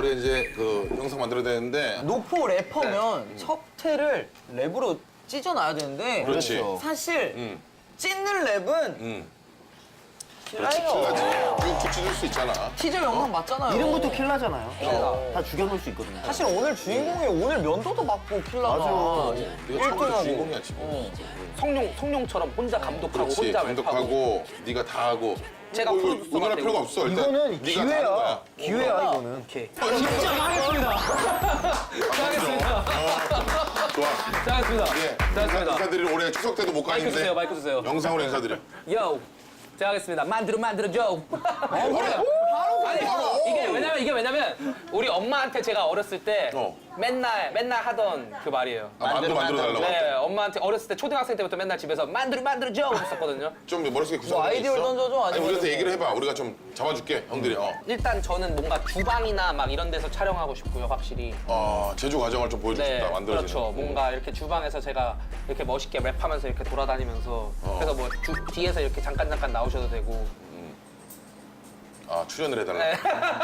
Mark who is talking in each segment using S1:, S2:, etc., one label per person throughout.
S1: 우리 이제 그 영상 만들어야 되는데.
S2: 노포 래퍼면 첫 회를 랩으로 찢어놔야 되는데
S1: 그렇지.
S2: 사실 찢는 랩은
S1: 그렇지, 킬라지. 쭉쭉 찢을 수 있잖아.
S2: 티저 영상 맞잖아요.
S3: 이름부터 킬라잖아요. 다 죽여놓을 수 있거든요.
S2: 사실 오늘 주인공이 오늘 면도도 받고 킬라가
S1: 네가 처음부터 주인공이야 지금.
S4: 성룡처럼 혼자 감독하고
S1: 그렇지.
S4: 혼자 랩하고.
S1: 감독하고 네가 다 하고.
S4: 제가
S1: 뭐 이거
S4: 프로듀서가
S1: 오늘 할
S4: 되고.
S1: 필요가 없어. 일단
S3: 이거는
S1: 네가 다
S3: 기회야.
S1: 하는 거야.
S3: 기회야 이거는.
S4: 오케이.
S1: 좋아.
S4: 잘했습니다.
S1: 예.
S4: 잘했습니다.
S1: 인사드리러 올해 추석 때도 못
S4: 마이크
S1: 가는데.
S4: 주세요, 마이크 주세요.
S1: 영상으로 인사드려.
S4: 요. 제가 하겠습니다. 만들어줘. 그래. 아니, 이게 왜냐면 우리 엄마한테 제가 어렸을 때 맨날 하던 그 말이에요.
S1: 아, 만들어 달라고.
S4: 네, 엄마한테 어렸을 때 초등학생 때부터 맨날 집에서 만들어줘 했었거든요.
S1: 좀 머릿속에 구성이
S2: 아이디어를
S1: 있어?
S2: 던져줘,
S1: 아니
S2: 아니면
S1: 우리한테
S2: 뭐.
S1: 얘기를 해봐. 우리가 좀 잡아줄게. 형들이.
S4: 일단 저는 뭔가 주방이나 막 이런 데서 촬영하고 싶고요, 확실히.
S1: 제조 과정을 좀 보여주고
S4: 네,
S1: 싶다. 만들어지는.
S4: 그렇죠. 뭔가 이렇게 주방에서 제가 이렇게 멋있게 랩하면서 이렇게 돌아다니면서 그래서 뭐 뒤에서 이렇게 잠깐 나오셔도 되고.
S1: 출연을 해달라.
S4: 네.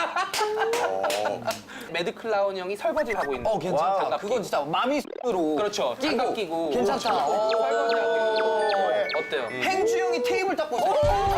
S4: 매드 클라운 형이 설거지를 하고 있는.
S2: 괜찮다.
S4: 장갑
S2: 그건 진짜 마미로
S4: 그렇죠. 장갑 끼고
S2: 괜찮다.
S4: 설거지하고 어때요?
S2: 행주 형이 테이블 닦고 있어.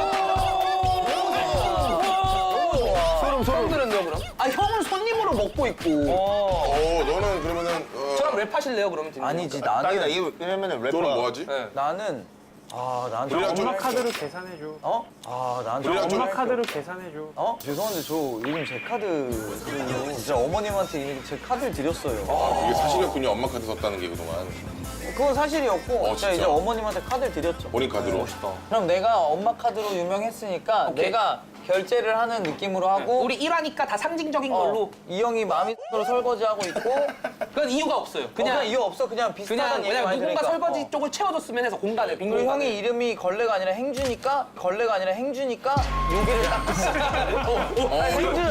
S4: 처음 들었네요, 그럼?
S2: 아 형은 손님으로 먹고 있고.
S1: 너는 그러면은
S4: 저랑 랩하실래요, 그러면?
S2: 아니지
S3: 딱이다.
S2: 나는
S3: 이거 왜냐면은 래퍼.
S1: 너는 뭐 하지?
S4: 네.
S2: 나는 나한테
S1: 우리랑 좀
S5: 카드로 계산해줘.
S2: 나한테
S1: 우리랑 좀
S5: 카드로 계산해줘.
S2: 죄송한데 저 요즘 제 카드 진짜 어머님한테 이미 제 카드를 드렸어요.
S1: 이게 사실이었군요. 엄마 카드 썼다는 게 그동안.
S2: 그건 사실이었고 제가
S1: 진짜?
S2: 이제 어머님한테 카드를 드렸죠.
S1: 본인 카드로.
S2: 그럼 내가 엄마 카드로 유명했으니까
S4: 오케이.
S2: 내가 결제를 하는 느낌으로 하고
S4: 우리 1화니까 다 상징적인 걸로.
S2: 이 형이 마미로 설거지하고 있고
S4: 그건 이유가 없어요.
S2: 그냥 이유 없어 그냥 비슷하다는 얘기
S4: 왜냐면
S2: 많이
S4: 누군가
S2: 들으니까.
S4: 설거지 쪽을 채워줬으면 해서 공간을 빈
S2: 그리고
S4: 공간을.
S2: 형이 이름이 걸레가 아니라 행주니까 여기를 닦고 있어.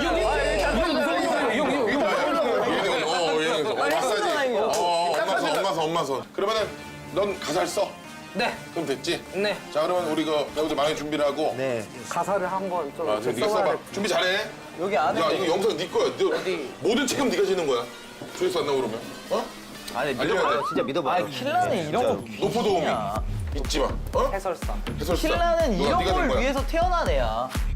S1: 엄마 손. 그러면은 넌 가사를 써.
S4: 네.
S1: 그럼 됐지?
S4: 네.
S1: 자 그러면 우리 그 배우들 많이 준비를 하고.
S3: 네.
S5: 가사를 한번 좀.
S1: 지금 네가 써봐. 준비 잘해.
S2: 여기 안에
S1: 야 이거 영상 네 거야.
S4: 어디?
S1: 모든 책임 네가 지는 거야. 조회수 안 나오고 그러면.
S3: 아니
S1: 알려야 돼.
S3: 진짜 믿어봐.
S2: 킬라는 이런 거
S1: 노포 도우미. 잊지 마.
S4: 해설사.
S1: 해설사.
S2: 킬라는
S1: 누가
S2: 이런
S1: 네가 된
S2: 걸
S1: 거야.
S2: 위해서 태어난 애야.